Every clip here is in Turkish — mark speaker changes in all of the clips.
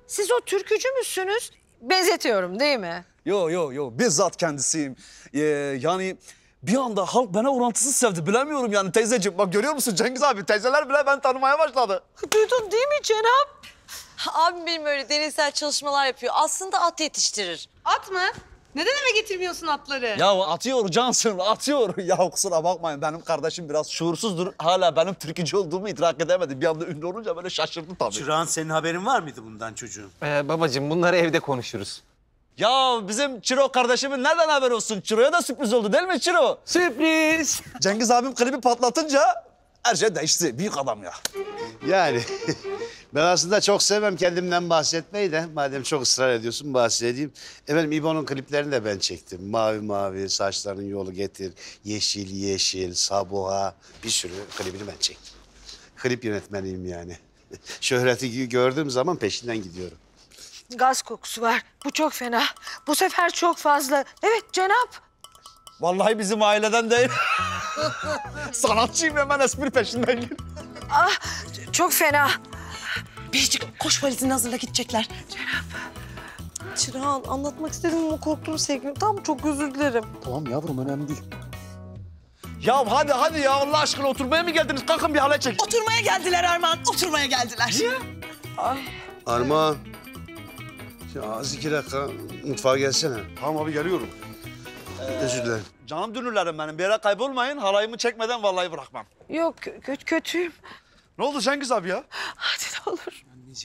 Speaker 1: siz o türkücü müsünüz? Benzetiyorum değil mi?
Speaker 2: Yo, bizzat kendisiyim. Yani bir anda halk bana orantısız sevdi, bilemiyorum yani teyzeciğim. Bak görüyor musun Cengiz abi, teyzeler bile beni tanımaya başladı.
Speaker 1: Duydun değil mi Cenap?
Speaker 3: Abim benim öyle deneysel çalışmalar yapıyor. Aslında at yetiştirir.
Speaker 4: At mı? Neden eve getirmiyorsun atları?
Speaker 2: Ya atıyor Cansın, atıyor. Ya kusura bakmayın, benim kardeşim biraz şuursuzdur. Hala benim türkücü olduğumu idrak edemedi. Bir anda ünlü olunca böyle şaşırdı tabii.
Speaker 5: Çırağan, senin haberin var mıydı bundan çocuğum?
Speaker 6: Babacığım bunları evde konuşuruz.
Speaker 2: Ya bizim Çiro kardeşimin nereden haber olsun? Çiro'ya da sürpriz oldu değil mi Çiro?
Speaker 6: Sürpriz.
Speaker 2: Cengiz abim klibi patlatınca her şey değişti. Büyük adam ya.
Speaker 7: Yani ben aslında çok sevmem kendimden bahsetmeyi de. Madem çok ısrar ediyorsun bahsedeyim. Efendim İbo'nun kliplerini de ben çektim. Mavi mavi, saçların yolu getir, yeşil yeşil, Sabuha. Bir sürü klibini ben çektim. Klip yönetmeniyim yani. Şöhreti gördüğüm zaman peşinden gidiyorum.
Speaker 1: Gaz kokusu var. Bu çok fena. Bu sefer çok fazla. Evet Cenap.
Speaker 2: Vallahi bizim aileden değil. Sanatçıyım, hemen espri peşinden gir.
Speaker 1: Ah çok fena.
Speaker 3: Biricik koş valizini hazırla gidecekler. Çırağan anlatmak istedim ama korktum sevgilim. Tamam çok özür dilerim.
Speaker 2: Tamam yavrum, önemli değil. Ya hadi ya, Allah aşkına oturmaya mı geldiniz? Kalkın bir halay çekin.
Speaker 3: Oturmaya geldiler Armağan. Oturmaya geldiler.
Speaker 7: Armağan. Ya az 2 dakika mutfağa gelsene.
Speaker 2: Tamam abi, geliyorum.
Speaker 7: Özür dilerim.
Speaker 2: Canım dünürlerim benim, bir yere kaybolmayın. Halayımı çekmeden vallahi bırakmam.
Speaker 1: Yok kötüyüm.
Speaker 2: Ne oldu Cengiz abi ya?
Speaker 1: Hadi ne olur.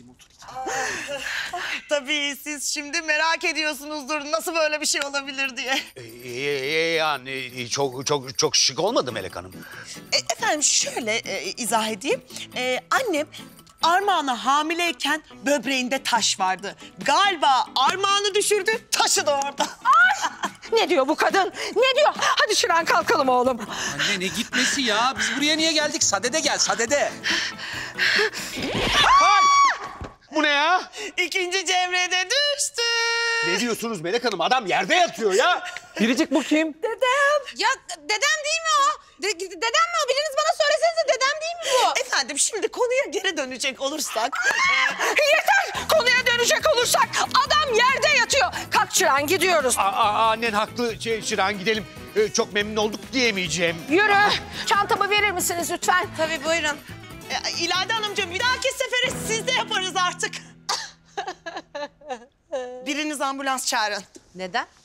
Speaker 3: Tabii siz şimdi merak ediyorsunuzdur nasıl böyle bir şey olabilir diye.
Speaker 5: Yani çok şık olmadı Melek Hanım.
Speaker 3: Efendim şöyle izah edeyim. Annem Armağan'a hamileyken böbreğinde taş vardı. Galiba Armağan'ı düşürdü, taşı da orada.
Speaker 1: Ne diyor bu kadın? Ne diyor? Hadi Şiran kalkalım oğlum.
Speaker 6: Anne ne gitmesi ya? Biz buraya niye geldik? Sadede gel, sadede.
Speaker 5: Bu ne ya?
Speaker 3: İkinci Cemre'de düştü.
Speaker 5: Ne diyorsunuz Melek Hanım? Adam yerde yatıyor ya.
Speaker 6: Biricik bu kim?
Speaker 4: Ya dedem değil mi o? Dedem mi o? Biriniz bana söylesenize dedem değil mi bu?
Speaker 3: Efendim şimdi konuya geri dönecek olursak.
Speaker 1: Yeter! Konuya dönecek olursak adam yerde yatıyor. Kalk Şiran gidiyoruz.
Speaker 5: Annen haklı. Çırağan gidelim. Çok memnun olduk diyemeyeceğim.
Speaker 1: Yürü. Çantamı verir misiniz lütfen?
Speaker 3: Tabii buyurun. İlayda Hanımcığım bir dahaki sefere siz de yaparız artık. Biriniz ambulans çağırın.
Speaker 4: Neden?